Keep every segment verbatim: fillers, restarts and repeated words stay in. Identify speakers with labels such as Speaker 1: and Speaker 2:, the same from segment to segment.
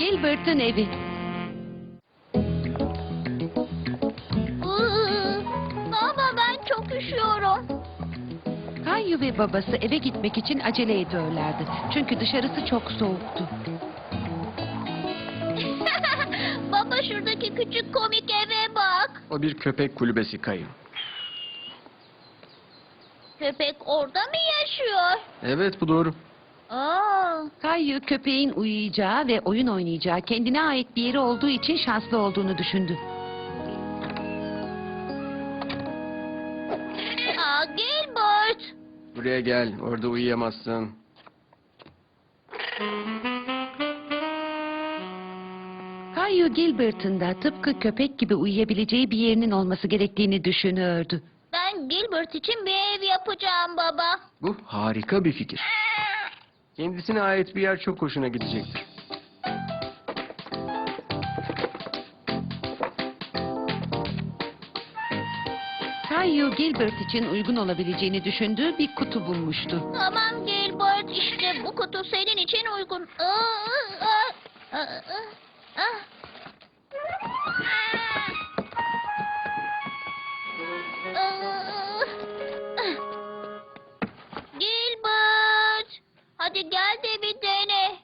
Speaker 1: Gilbert'ın evi.
Speaker 2: Iı, Baba ben çok üşüyorum.
Speaker 1: Kayu ve babası eve gitmek için acele ediyorlardı. Çünkü dışarısı çok soğuktu.
Speaker 2: Baba şuradaki küçük komik eve bak.
Speaker 3: O bir köpek kulübesi Kayu.
Speaker 2: Köpek orada mı yaşıyor?
Speaker 3: Evet, bu doğru.
Speaker 2: Aa,
Speaker 1: Kayu köpeğin uyuyacağı ve oyun oynayacağı kendine ait bir yeri olduğu için şanslı olduğunu düşündü.
Speaker 2: aa Gilbert.
Speaker 3: Buraya gel, orada uyuyamazsın.
Speaker 1: Kayu Gilbert'ın da tıpkı köpek gibi uyuyabileceği bir yerinin olması gerektiğini düşünüyordu.
Speaker 2: Ben Gilbert için bir ev yapacağım baba.
Speaker 3: Bu harika bir fikir. Kendisine ait bir yer çok hoşuna gidecektir.
Speaker 1: Kayu Gilbert için uygun olabileceğini düşündüğü bir kutu bulmuştu.
Speaker 2: Tamam Gilbert, işte bu kutu senin için uygun. Aa, aa, aa, aa, aa. Aa. Gilbert, hadi gel de bir dene.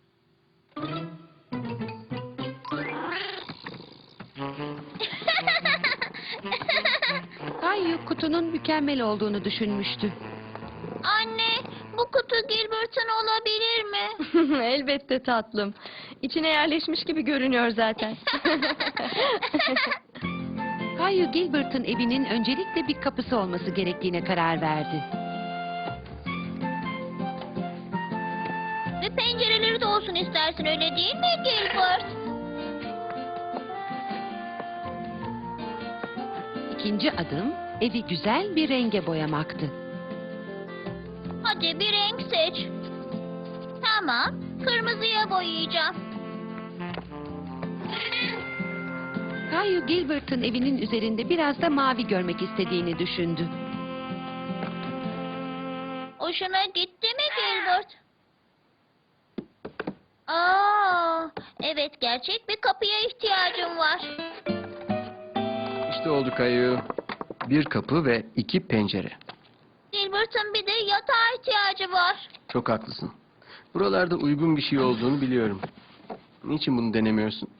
Speaker 1: Kayu kutunun mükemmel olduğunu düşünmüştü.
Speaker 2: Anne, bu kutu Gilbert'ın olabilir mi?
Speaker 4: Elbette tatlım. İçine yerleşmiş gibi görünüyor zaten.
Speaker 1: Kayu Gilbert'ın evinin öncelikle bir kapısı olması gerektiğine karar verdi.
Speaker 2: Ve pencereleri de olsun istersin, öyle değil mi Gilbert?
Speaker 1: İkinci adım evi güzel bir renge boyamaktı.
Speaker 2: Hadi bir renk seç. Tamam, kırmızıya boyayacağım.
Speaker 1: Kayu Gilbert'ın evinin üzerinde biraz da mavi görmek istediğini düşündü.
Speaker 2: Hoşuna gitti mi Gilbert? Aa, evet, gerçek bir kapıya ihtiyacım var.
Speaker 3: İşte oldu Kayu. Bir kapı ve iki pencere.
Speaker 2: Gilbert'ın bir de yatağa ihtiyacı var.
Speaker 3: Çok haklısın. Buralarda uygun bir şey olduğunu biliyorum. Niçin bunu denemiyorsun?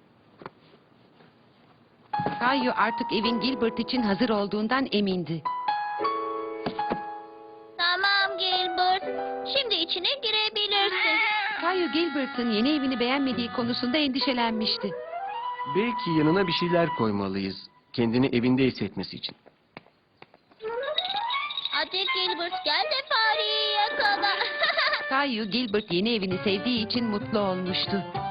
Speaker 1: Kayu artık evin Gilbert için hazır olduğundan emindi.
Speaker 2: Tamam Gilbert, şimdi içine girebilirsin.
Speaker 1: Kayu Gilbert'ın yeni evini beğenmediği konusunda endişelenmişti.
Speaker 3: Belki yanına bir şeyler koymalıyız. Kendini evinde hissetmesi için.
Speaker 2: Hadi Gilbert, gel de fareyi yakala.
Speaker 1: Kayu Gilbert yeni evini sevdiği için mutlu olmuştu.